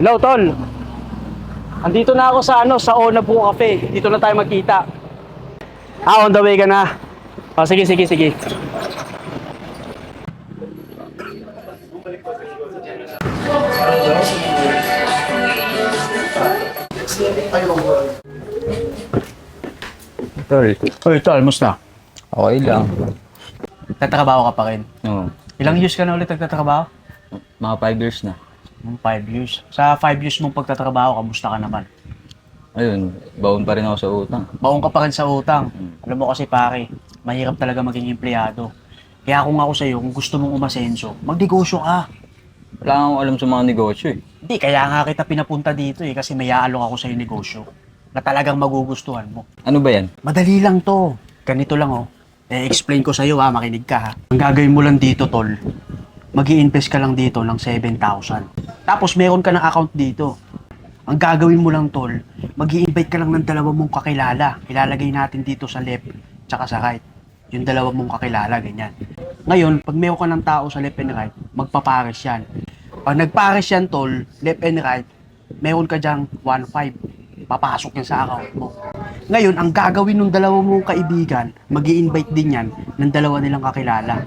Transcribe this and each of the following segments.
Hello, tol. Andito na ako sa sa Onabu Cafe. Dito na tayo magkita. On the way ka na. Sige. Tol, Oy, tol, musta? okay lang. Nagtatrabaho ka pa rin. Oo. Ilang years ka na ulit nagtatrabaho? Mga 5 years na. 5 years. Sa 5 years mong pagtatrabaho, kamusta ka naman? Ayun, baon pa rin ako sa utang. Baon ka pa rin sa utang. Alam mo kasi pare, mahirap talaga maging empleyado. Kaya kung ako sa'yo, kung gusto mong umasenso, magnegosyo ka. Wala akong alam sa mga negosyo eh. Hindi, kaya nga kita pinapunta dito kasi may aalok ako sa'yo negosyo na talagang magugustuhan mo. Ano ba yan? Madali lang to. Ganito lang explain ko sa'yo makinig ka ha. Ang gagawin mo lang dito, tol, mag-i-invest ka lang dito ng 7,000. Tapos meron ka ng account dito. Ang gagawin mo lang, tol, mag-i-invite ka lang ng dalawa mong kakilala. Ilalagay natin dito sa left tsaka sa right. Yung dalawa mong kakilala, ganyan. Ngayon, pag meron ka ng tao sa left and right, magpapares yan. Pag nagpares yan, tol, left and right, meron ka dyang 1,500. Papasok yan sa account mo. Ngayon, ang gagawin ng dalawa mong kaibigan, mag-i-invite din yan ng dalawa nilang kakilala.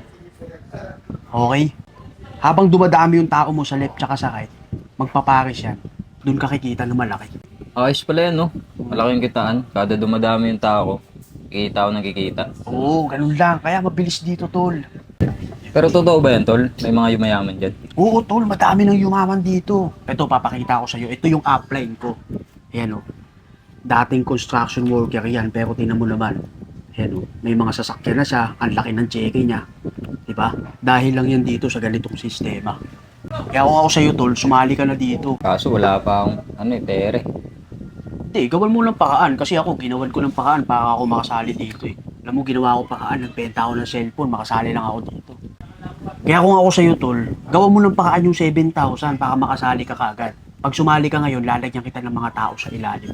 Okay? Habang dumadami yung tao mo sa left tsaka sa right, magpapares yan. Doon ka kikita ng malaki. Ayos pala yan, no? Malaki yung kitaan. Kada dumadami yung tao ko, kikita ako nakikita. Oo, ganun lang. Kaya mabilis dito, tol. Pero totoo ba yan, tol? May mga yumayaman dyan. Oo, tol. Madami ng yumaman dito. Ito, papakita ko sa'yo. Ito yung upline ko. Ayan, dating construction worker yan, pero tinan mo naman. Ayan, may mga sasakyan na siya. Ang laki ng cheque niya. Diba? Dahil lang yan dito sa ganitong sistema. Kaya kung ako sa'yo, tol, sumali ka na dito. Kaso wala pa akong, pere. Hindi, gawan mo ng pakaan. Kasi ako, ginawan ko ng pakaan para ako makasali dito eh. Alam mo, ginawa ko pakaan. Nagbenta ako ng cellphone, makasali lang ako dito. Kaya kung ako sa'yo, tol, gawan mo ng pakaan yung 7,000 para makasali ka kagad. Pag sumali ka ngayon, lalagyan kita ng mga tao sa ilalim.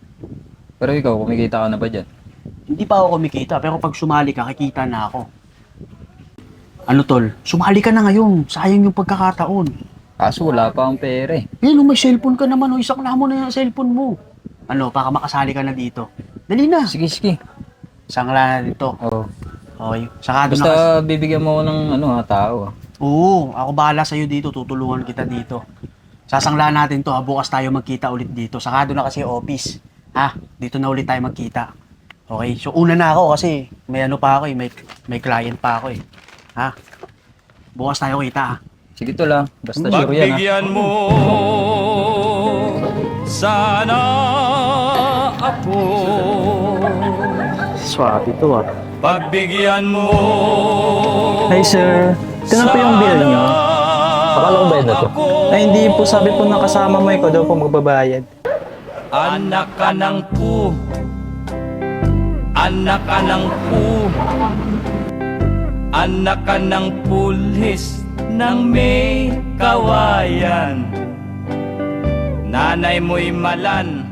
Pero ikaw, kumikita ka na ba dyan? Hindi pa ako kumikita, pero pag sumali ka, kikita na ako. Ano, tol? Sumali ka na ngayon. Sayang yung pagkakataon. Kaso wala pa akong pere. May cellphone ka naman. Isakla mo na yung cellphone mo. Ano, para makasali ka na dito. Dali na. Sige. Sangla na dito. Oo. Okay. Saka doon na Basta bibigyan mo ako ng tao. Oo, ako bahala sa'yo dito. Tutulungan kita dito. Sasangla natin to. Bukas tayo magkita ulit dito. Saka doon na kasi office. Dito na ulit tayo magkita. Okay, so una na ako kasi may pa ako may client pa ako Bukas tayo kita Sige to lang. Basta sure yan Pagbigyan mo sana ako. Swerte to Pagbigyan mo. Hi sir, ito na po yung bill nyo. Akala ko ba yun na to? Ay hindi po, sabi po ng kasama mo, ikaw daw po magbabayad. Anak ka ng pu. Anak ka ng pu. Anak ka ng pulis ng may kawayan. Nanay mo'y malan,